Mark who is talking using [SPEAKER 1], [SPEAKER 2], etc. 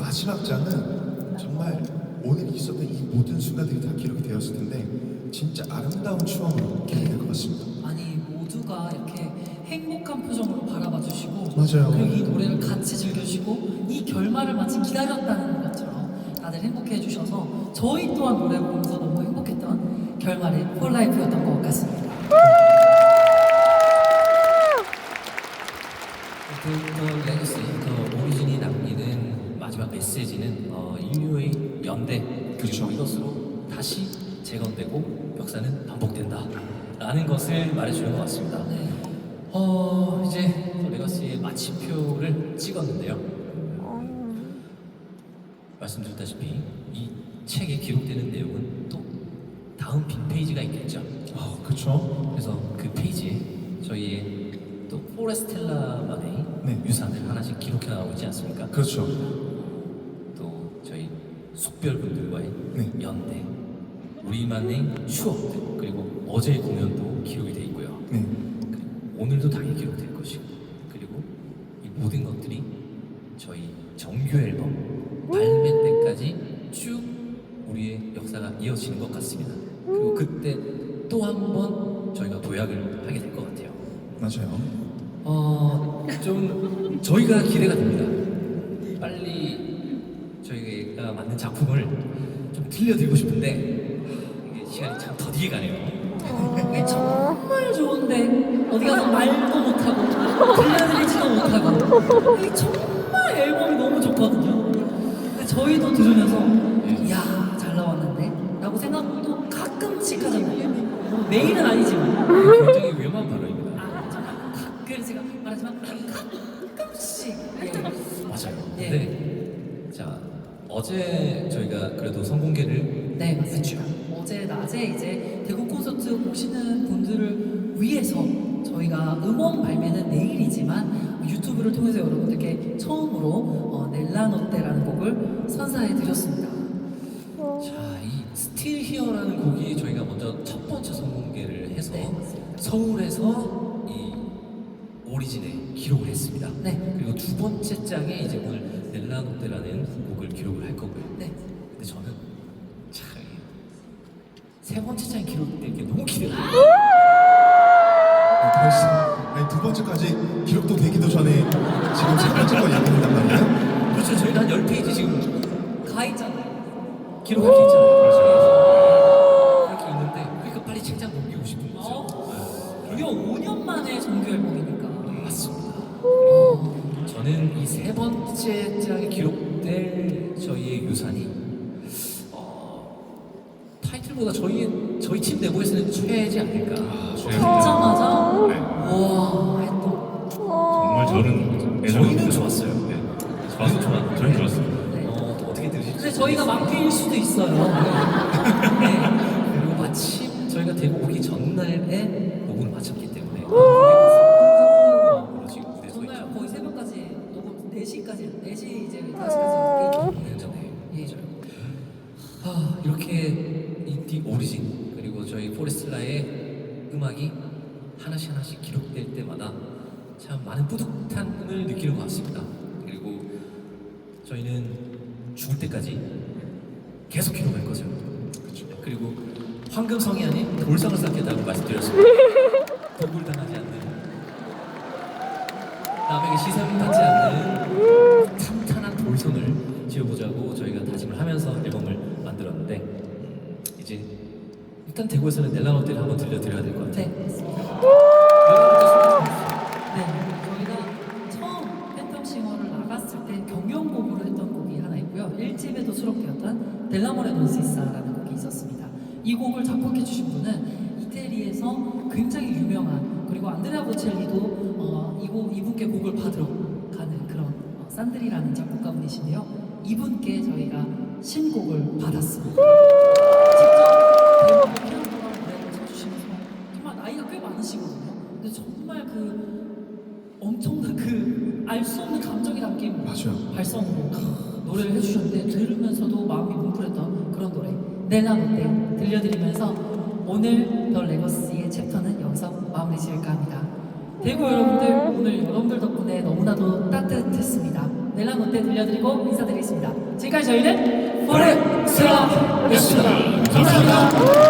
[SPEAKER 1] 마지막 장은 정말 오늘 있었던 이 모든 순간들이 다 기록이 되었을 텐데 진짜 아름다운 추억으로 기록이 될 것 같습니다.
[SPEAKER 2] 아니 모두가 이렇게 행복한 표정으로 바라봐 주시고
[SPEAKER 1] 맞아요.
[SPEAKER 2] 그리고 이 노래를 같이 즐겨주시고 이 결말을 마치 기다렸다는 것처럼 다들 행복해 해주셔서 저희 또한 노래 보면서 너무 행복했던 결말의 폴라이프였던 것 같습니다.
[SPEAKER 3] 그 레거시, 그 오리진이 남기는 마지막 메시지는 인류의 연대
[SPEAKER 1] 그렇죠.
[SPEAKER 3] 그리고 이것으로 다시 재건되고 역사는 반복된다 라는 것을 말해주는 것 같습니다.
[SPEAKER 2] 네.
[SPEAKER 3] 이제 레거시의 마침표를 찍었는데요. 말씀드렸다시피 이 책에 기록되는 내용은 또 다음 빅페이지가 있겠죠.
[SPEAKER 1] 그렇죠.
[SPEAKER 3] 그래서 그 페이지에 저희의 또 포레스텔라만의
[SPEAKER 1] 네.
[SPEAKER 3] 유산을 하나씩 기록해 나오고 있지 않습니까?
[SPEAKER 1] 그렇죠.
[SPEAKER 3] 또 저희 숙별분들과의
[SPEAKER 1] 네.
[SPEAKER 3] 연대, 우리만의 추억들, 그리고 어제의 공연도 기록이 돼 있고요.
[SPEAKER 1] 네.
[SPEAKER 3] 그리고 오늘도 당연히 기록될 것이고, 그리고 이 모든 것들이 저희 정규 앨범 발매 때까지 쭉 우리의 역사가 이어지는 것 같습니다. 그리고 그때 또 한 번 저희가 도약을 하게 될 것 같아요.
[SPEAKER 1] 맞아요.
[SPEAKER 3] 좀 저희가 기대가 됩니다. 빨리 저희가 만든 작품을 좀 들려드리고 싶은데 이게 시간이 참 더디게 가네요.
[SPEAKER 2] 이게 정말 좋은데 어디 가서 말도 못하고 들려드리지도 못하고 이게 정말 앨범이 너무 좋거든요. 근데 저희도 들으면서 이야 잘 나왔는데 라고 생각도 가끔씩 하잖아요. 뭐 매일은 아니지만
[SPEAKER 3] 굉장히 위험한 발언입니다.
[SPEAKER 2] 정말 가끔 제가 말하지만 가끔씩
[SPEAKER 3] 맞아요.
[SPEAKER 2] 예.
[SPEAKER 3] 근데 자 어제 저희가 그래도 선공개를
[SPEAKER 2] 네 맞습니다. 어제 낮에 이제 대구 콘서트 오시는 분들을 위해서 저희가 음원 발매는 내일이지만 유튜브를 통해서 여러분들께 처음으로 넬라노떼라는 곡을 선사해 드렸습니다.
[SPEAKER 3] 자, 이 스틸 히어라는 곡이 저희가 먼저 첫 번째 선공개를 해서
[SPEAKER 2] 네, 맞습니다.
[SPEAKER 3] 서울에서 이 오리진에 기록을 했습니다.
[SPEAKER 2] 네.
[SPEAKER 3] 그리고 두 번째 장에 이제 오늘 넬라노떼라는 곡을 기록을 할 거고요.
[SPEAKER 2] 네.
[SPEAKER 3] 근데 저는 참 세 번째 장에 기록될 게 너무 기대가 돼요.
[SPEAKER 1] 벌써 아니, 두 번째까지 기록도 되기도 전에 지금 세 번째 거 얘기한단 말이에요?
[SPEAKER 3] 그렇죠. 저희는 한 10페이지 지금
[SPEAKER 2] 가 있잖아요.
[SPEAKER 3] 기록할 게 있잖아요. 그렇죠. 그렇게 있는데 그러니까 빨리 책장 넘기고 싶은 거죠.
[SPEAKER 2] 무려 5년 만에 정규 앨범이니까.
[SPEAKER 3] 맞습니다. 그리고 저는 이 세 번째 장에 기록될 저희의 유산이 타이틀보다 저희 팀 내부에서는 최애지 않을까.
[SPEAKER 2] 듣자마자
[SPEAKER 4] 네.
[SPEAKER 2] 와 했던.
[SPEAKER 4] 정말 저는
[SPEAKER 3] 저희는 좋았어요.
[SPEAKER 4] 네. 좋았어요. 저희는 좋았어요.
[SPEAKER 3] 또 어떻게 들으실지.
[SPEAKER 2] 근데 저희가 막힐 수도 있어요. 네.
[SPEAKER 3] 그리고 마침 저희가 대구 오기 전날에 녹음을 마쳤기 때문에 지금 무대에 서
[SPEAKER 2] 전날
[SPEAKER 3] 있죠.
[SPEAKER 2] 거의 새벽까지 녹음 4시까지 4시 이제 5시까지
[SPEAKER 3] 공연 전에.
[SPEAKER 2] 예.
[SPEAKER 3] 이렇게 인디 오리진 그리고 저희 포레스텔라의 음악이 하나씩 기록될 때마다 참 많은 뿌듯함을 느끼는 것 같습니다. 그리고 저희는 죽을 때까지 계속 기록할 거죠. 그렇죠. 그리고 황금성이 아닌 돌상을 쌓겠다고 말씀드렸습니다. 독을 당하지 않는 남에게 시선받지 않는 탄탄한 돌성을 지어보자고 저희가 다짐을 하면서 앨범을 만들었는데 이제 일단 대구에서는 넬라노떼를 한번 들려드려야 될 것 같아요.
[SPEAKER 2] 네. 네. 저희가 처음 팬텀싱어를 나갔을 때 경연곡으로 했던 곡이 하나 있고요. 1집에도 수록되었던 델라모레 논시사라는 곡이 있었습니다. 이 곡을 작곡해 주신 분은 이태리에서 굉장히 유명한 그리고 안드레아 보첼리도 이분께 곡을 받으러 가는 그런 산드리라는 작곡가분이신데요. 이분께 저희가 신곡을 받았습니다. 직접 대부분 피아노랑 노래를 쳐주시면서 정말 나이가 꽤 많으시거든요. 근데 정말 그 엄청난 그 알 수 없는 감정이 담긴
[SPEAKER 1] 맞아요.
[SPEAKER 2] 발성으로 노래를 해주셨는데 들으면서도 마음이 뭉클했던 그런 노래 넬라노떼 들려드리면서 오늘 더 레거시의 챕터는 여기서 마무리 지을까 합니다. 대구 여러분들 오늘 여러분들 덕분에 너무나도 따뜻했습니다. 네. 델라노테 들려드리고 인사드리겠습니다. 지금까지 저희는 포레스라였습니다. 감사합니다.